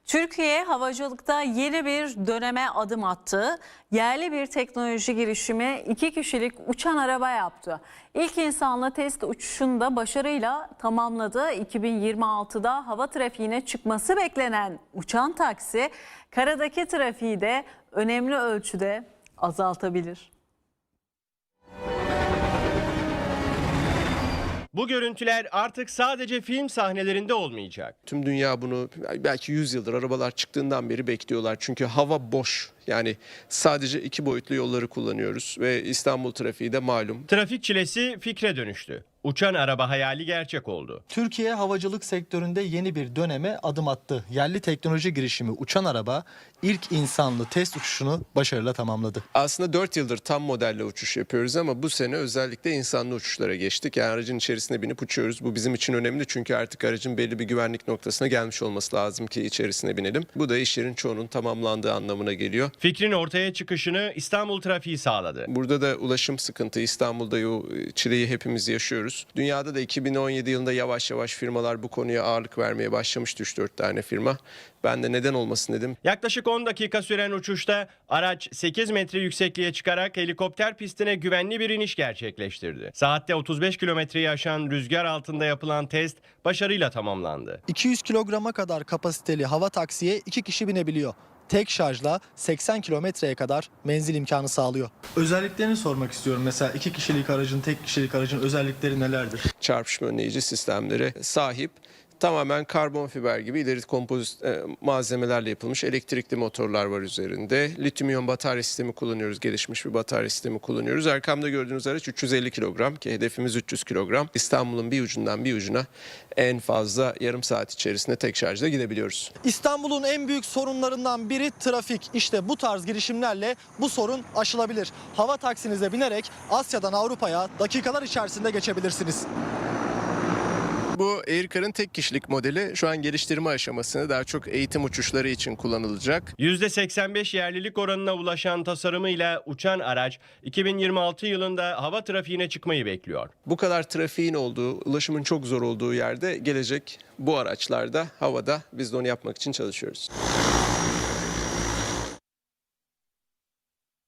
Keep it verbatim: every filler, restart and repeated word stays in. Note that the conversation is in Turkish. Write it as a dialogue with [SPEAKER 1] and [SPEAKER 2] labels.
[SPEAKER 1] Türkiye havacılıkta yeni bir döneme adım attı. Yerli bir teknoloji girişimi iki kişilik uçan araba yaptı. İlk insanlı test uçuşunu da başarıyla tamamladı. iki bin yirmi altıda hava trafiğine çıkması beklenen uçan taksi karadaki trafiği de önemli ölçüde azaltabilir.
[SPEAKER 2] Bu görüntüler artık sadece film sahnelerinde olmayacak.
[SPEAKER 3] Tüm dünya bunu belki yüz yıldır arabalar çıktığından beri bekliyorlar. Çünkü hava boş. Yani sadece iki boyutlu yolları kullanıyoruz ve İstanbul trafiği de malum.
[SPEAKER 2] Trafik çilesi fikre dönüştü. Uçan araba hayali gerçek oldu.
[SPEAKER 4] Türkiye havacılık sektöründe yeni bir döneme adım attı. Yerli teknoloji girişimi uçan araba ilk insanlı test uçuşunu başarıyla tamamladı.
[SPEAKER 3] Aslında dört yıldır tam modelle uçuş yapıyoruz ama bu sene özellikle insanlı uçuşlara geçtik. Yani aracın içerisine binip uçuyoruz. Bu bizim için önemli çünkü artık aracın belli bir güvenlik noktasına gelmiş olması lazım ki içerisine binelim. Bu da işlerin çoğunun tamamlandığı anlamına geliyor.
[SPEAKER 2] Fikrin ortaya çıkışını İstanbul trafiği sağladı.
[SPEAKER 3] Burada da ulaşım sıkıntı. İstanbul'da o çileyi hepimiz yaşıyoruz. Dünyada da iki bin on yedi yılında yavaş yavaş firmalar bu konuya ağırlık vermeye başlamıştı, üç dört tane firma. Ben de neden olmasın dedim.
[SPEAKER 2] Yaklaşık on dakika süren uçuşta araç sekiz metre yüksekliğe çıkarak helikopter pistine güvenli bir iniş gerçekleştirdi. Saatte otuz beş kilometreyi aşan rüzgar altında yapılan test başarıyla tamamlandı.
[SPEAKER 4] iki yüz kilograma kadar kapasiteli hava taksiye iki kişi binebiliyor. Tek şarjla seksen kilometreye kadar menzil imkanı sağlıyor. Özelliklerini sormak istiyorum. Mesela iki kişilik aracın, tek kişilik aracın özellikleri nelerdir?
[SPEAKER 3] Çarpışma önleyici sistemlere sahip. Tamamen karbon fiber gibi ileri kompozit e, malzemelerle yapılmış elektrikli motorlar var üzerinde. Lityum iyon batarya sistemi kullanıyoruz. Gelişmiş bir batarya sistemi kullanıyoruz. Arkamda gördüğünüz araç üç yüz elli kilogram ki hedefimiz üç yüz kilogram. İstanbul'un bir ucundan bir ucuna en fazla yarım saat içerisinde tek şarjla gidebiliyoruz.
[SPEAKER 4] İstanbul'un en büyük sorunlarından biri trafik. İşte bu tarz girişimlerle bu sorun aşılabilir. Hava taksinize binerek Asya'dan Avrupa'ya dakikalar içerisinde geçebilirsiniz.
[SPEAKER 3] Bu Aircar'ın tek kişilik modeli şu an geliştirme aşamasında, daha çok eğitim uçuşları için kullanılacak.
[SPEAKER 2] yüzde seksen beş yerlilik oranına ulaşan tasarımıyla uçan araç iki bin yirmi altı yılında hava trafiğine çıkmayı bekliyor.
[SPEAKER 3] Bu kadar trafiğin olduğu, ulaşımın çok zor olduğu yerde gelecek bu araçlarda havada, biz de onu yapmak için çalışıyoruz.